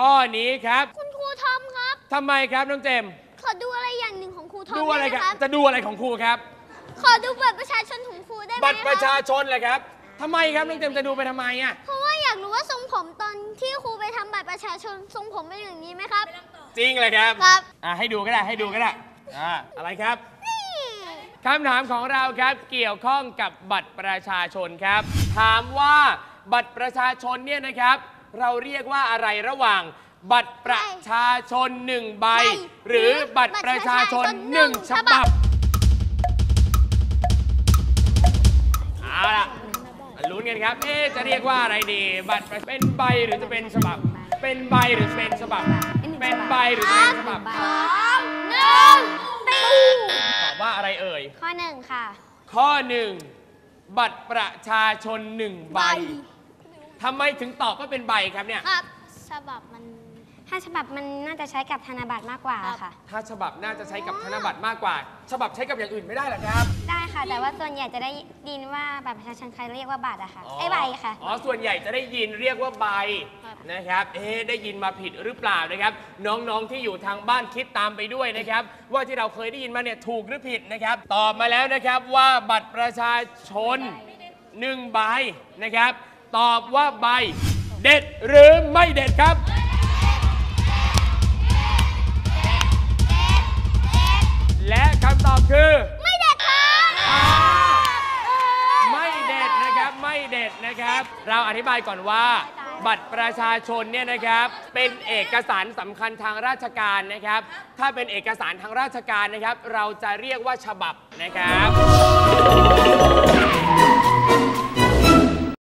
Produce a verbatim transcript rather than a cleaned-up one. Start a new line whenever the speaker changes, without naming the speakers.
ข้อนี้ครับ
คุณครูทอมครับ
ทำไมครับน้องเจม
ขอดูอะไรอย่างหนึ่งของครูทอม
ดูอะไรครับจะดูอะไรของครูครับ
ขอดูบัตรประชาชนของครูได้ไหม
บัตรประชาชนเลยครับทำไมครับน้องเจมจะดูไปทำไมอ่ะ
เพราะว่าอยากรู้ว่าทรงผมตอนที่ครูไปทำบัตรประชาชนทรงผมเป็นอย่างนี้ไหมครับ
จริงเลยครับ
ครับ
อ่าให้ดูก็ได้ให้ดูก็ได้อ่าอะไรครับคำถามของเราครับเกี่ยวข้องกับบัตรประชาชนครับถามว่าบัตรประชาชนเนี่ยนะครับเราเรียกว่าอะไรระหว่างบัตรประชาชนหนึ่งใบหรือบัตรประชาชนหนึ่งฉบับเอาล่ะลุ้นกันครับเอ๊จะเรียกว่าอะไรดีบัตรเป็นใบหรือจะเป็นฉบับเป็นใบหรือเป็นฉบับเป็นใบหรือเป็นฉบับ
สองหนึ่งตี
ตอบว่าอะไรเอ่ย
ข้อหนึ่งค่ะ
ข้อหนึ่งบัตรประชาชนหนึ่งใบทำไมถึงตอบว่าเป็นใบครับเนี่ย
ครับฉบับมันถ้าฉบับมันน่าจะใช้กับธนบัตรมากกว่าค่ะ
ถ้าฉบับน่าจะใช้กับธนบัตรมากกว่าฉบับใช้กับอย่างอื่นไม่ได้หรอครับ
ได้ค่ะแต่ว่าส่วนใหญ่จะได้ยินว่าบัตรประชาชนใครเรียกว่าบัตรอะค่ะไอ้ใบค่ะ
อ๋อส่วนใหญ่จะได้ยินเรียกว่าใบนะครับเอ๊ได้ยินมาผิดหรือเปล่านะครับน้องๆที่อยู่ทางบ้านคิดตามไปด้วยนะครับว่าที่เราเคยได้ยินมาเนี่ยถูกหรือผิดนะครับตอบมาแล้วนะครับว่าบัตรประชาชนหนึ่งใบนะครับตอบว่าใบเด็ดหรือไม่เด็ดครับและคำตอบคือ
ไม่เด็ดครับ
ไม่เด็ดนะครับไม่เด็ดนะครับเราอธิบายก่อนว่าบัตรประชาชนเนี่ยนะครับเป็นเอกสารสำคัญทางราชการนะครับถ้าเป็นเอกสารทางราชการนะครับเราจะเรียกว่าฉบับนะครับ